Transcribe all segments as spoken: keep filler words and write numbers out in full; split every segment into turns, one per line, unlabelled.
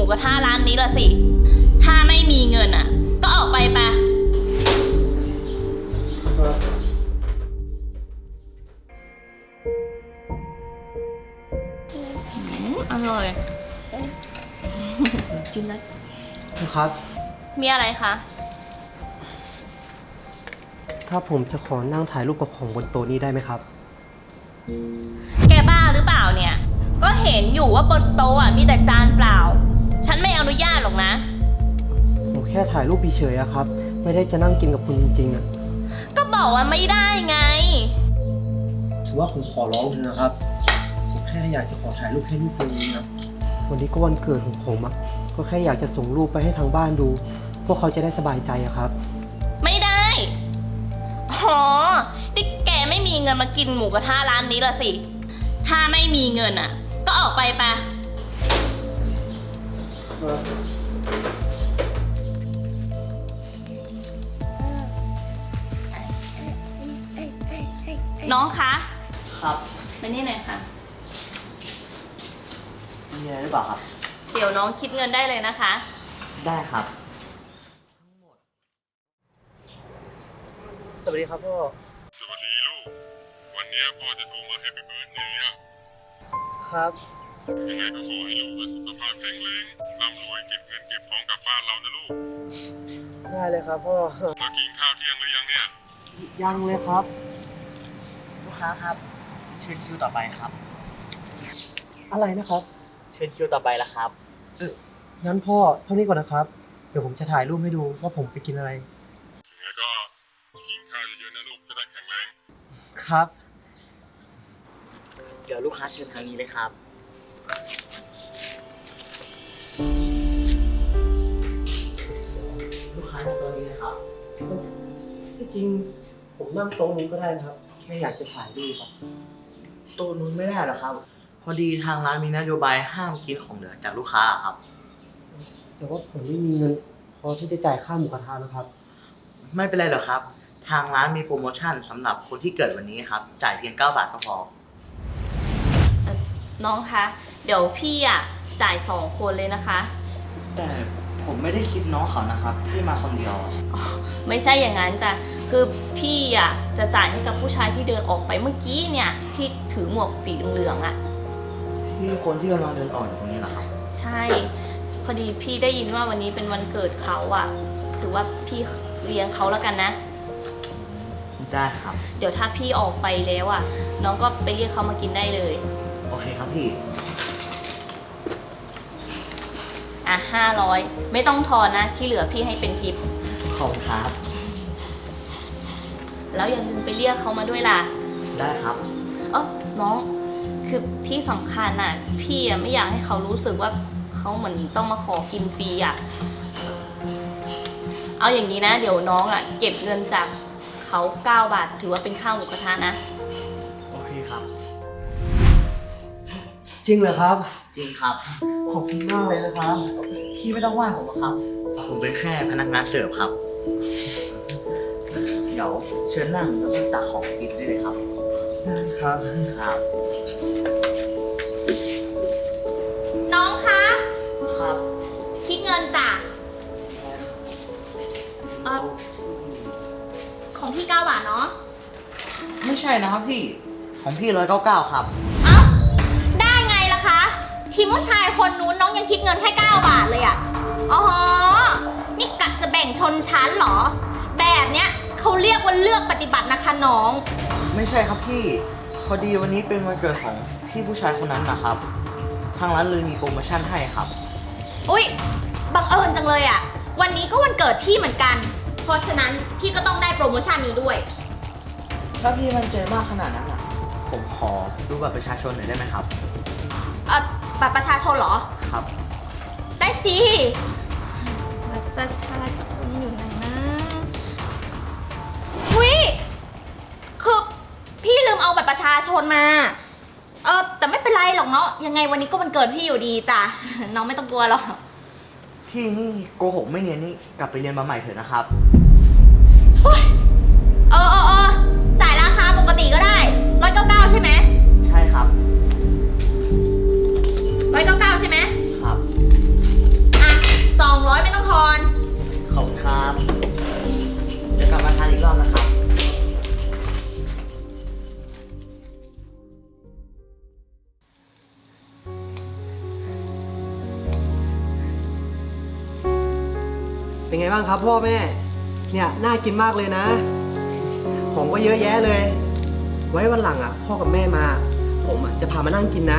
กระทะร้านนี้ละสิถ้าไม่มีเงินอ่ะก็ออกไปปะอร่อยกินแล้ว
ครับ
มีอะไรคะ
ถ้าผมจะขอนั่งถ่ายรูปกับของบนโต๊ะนี้ได้ไหมครับ
แกบ้าหรือเปล่าเนี่ยก็เห็นอยู่ว่าบนโต๊ะอ่ะมีแต่จานเปล่าฉันไม่อนุญาตหรอกนะ
ผมแค่ถ่ายรูปเฉยๆอะครับไม่ได้จะนั่งกินกับคุณจริงๆอะ
ก็บอกว่าไม่ได้ไง
ถือว่าผมขอร้องเถอะนะครับผมแค่อยากจะขอถ่ายรูปให้รูปนึงนะวันนี้ก็วันเกิดของผมอะก็แค่อยากจะส่งรูปไปให้ทางบ้านดูพวกเขาจะได้สบายใจอะครับ
ไม่ได้อ๋อที่แกไม่มีเงินมากินหมูกระทะร้านนี้ละสิถ้าไม่มีเงินอ่ะก็ออกไปปะน้องคะ
ครับ
มานี่หน่อยค่ะ
มีอะไรหรือเปล่าครับ
เดี๋ยวน้องคิดเงินได้เลยนะคะ
ได้ครับ
สวัสดีครับพ่อ
สวัสดีลูกวันนี้พ่อจะโทรมาให้ไปเบิร์ธเดย์อ่ะ
ครับ
ยังไงก็ขอให้ลูกสุขภาพแข็งแรงร่ำรวยเก็บเงินเก็บทองกลับบ้านเรานะลูก
ได้เลยครับพ่อ
มากินข้าวเที่ยงหรือยังเนี่ย
ยังเลยครับ
ลูกค้าครับเชิญคิวต่อไปครับ
อะไรนะครับ
เชิญคิวต่อไปละครับ
เอองั้นพ่อเท่านี้ก่อนนะครับเดี๋ยวผมจะถ่ายรูปให้ดูว่าผมไปกินอะไร
ยังไงก็กินข้าวเยอะๆนะลูกจะได้แข็งแรง
ครับ
เดี๋ยวลูกค้าเชิญทางนี้เลยครับลูกค้านั่งตรงนี้เลยครับ
ที่จริงผมนั่งโต๊ะนู้นก็ได้นะครับแค่อยากจะถ่ายรูปครับ
โต๊ะนู้นไม่ได้หรอครับพอดีทางร้านมีนโยบายห้ามกินของเหลือจากลูกค้าครับ
แต่ว่าผมไม่มีเงินพอที่จะจ่ายค่าหมูกระทะนะครับ
ไม่เป็นไรหรอกครับทางร้านมีโปรโมชั่นสำหรับคนที่เกิดวันนี้ครับจ่ายเพียงเก้าบาทก็พอ
น้องคะเดี๋ยวพี่อ่ะจ่ายสองคนเลยนะคะ
แต่ผมไม่ได้คิดน้องเขานะครับพี่มาคนเดียว
ไม่ใช่อย่างนั้นจ้ะคือพี่อ่ะจะจ่ายให้กับผู้ชายที่เดินออกไปเมื่อกี้เนี่ยที่ถือหมวกสีเหลืองๆอ่ะ
พี่คนที่กำลังเดินออกอยู่ตรงนี้เหรอครับ
ใช่พอดีพี่ได้ยินว่าวันนี้เป็นวันเกิดเขาอ่ะถือว่าพี่เลี้ยงเขาแล้วกันนะ
ได้ครับ
เดี๋ยวถ้าพี่ออกไปแล้วอ่ะน้องก็ไปเรียกเขามากินได้เลย
โอเคครับพี่
อ่ะห้าร้อยไม่ต้องทอนนะที่เหลือพี่ให้เป็นทิป
ขอบคุณครับ
แล้วอย่าลืมไปเรียกเขามาด้วยล่ะ
ได้ครับ
เออน้องคือที่สำคัญน่ะพี่อ่ะไม่อยากให้เขารู้สึกว่าเขาเหมือนต้องมาขอกินฟรีอ่ะเอาอย่างนี้นะเดี๋ยวน้องอ่ะเก็บเงินจากเขาเก้าบาทถือว่าเป็นข้าวหมูกระทะนะ
โอเคครับ
จริงเหรอครับ
จริงครับ
ขอบคุณมากเลยนะครับ
พี่ไม่ต้องว่าผมหรอกครับผมเป็นแค่พนักงานเสิร์ฟครับเดี๋ยวเชิญนั่งแล้วก็ตักของกินได้เลยครับ
ได้ครับ
ครับ
น้องคะ
ครับ
คิดเงินจ้ะเออของพี่เก้าบาทเนาะ
ไม่ใช่นะครับพี่ของพี่ร้อยเก้าเก้าครับ
เอ้าได้ไงล่ะคะทีมผู้ชายคนนู้นน้องยังคิดเงินแค่เก้าบาทเลยอ่ะอ๋อนี่กะจะแบ่งชนชั้นเหรอแบบเนี้ยเขาเรียกว่าเลือกปฏิบัตินะคะน้อง
ไม่ใช่ครับพี่พอดีวันนี้เป็นวันเกิดของพี่ผู้ชายคนนั้นนะครับทางร้านเลยมีโปรโมชั่นให้ครับ
อุ๊ยบังเอิญจังเลยอ่ะวันนี้ก็วันเกิดพี่เหมือนกันเพราะฉะนั้นพี่ก็ต้องได้โปรโมชั่นนี้ด้วย
ถ้าพี่มั่นใจมากขนาดนั้นอ่ะผมขอดูบัตรประชาชนหน่อยได้ไหมครับ
เอ่อบัตรประชาชนเหรอ
ครับ
ได้สิบัตรประชาชนอยู่ไหนนะอุ๊ยคือพี่ลืมเอาบัตรประชาชนมาเออแต่ไม่เป็นไรหรอกเนาะยังไงวันนี้ก็วันเกิดพี่อยู่ดีจ้ะน้องไม่ต้องกลัวหรอก
พี่นี่โกหกไม่เนียนนี่กลับไปเรียนมาใหม่เถอะนะครับ
เออเออเออจ่ายราคาปกติก็ได้ร้อยเก้าเก้าใช่ไหม
ใช่ครับ
ร้อยเก้าเก้าใช่ไหม
ครับ
เป็นไงบ้างครับพ่อแม่ เนี่ยน่ากินมากเลยนะ ของก็เยอะแยะเลย ไว้วันหลังอ่ะ พ่อกับแม่มา ผมอ่ะจะพามานั่งกินนะ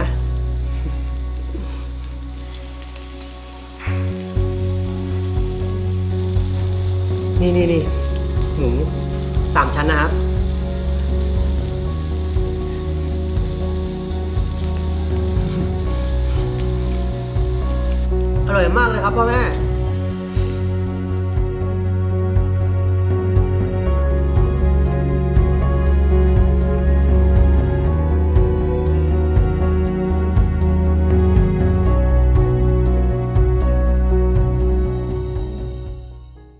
นี่นี่นี่หมูสามชั้นนะครับ อร่อยมากเลยครับพ่อแม่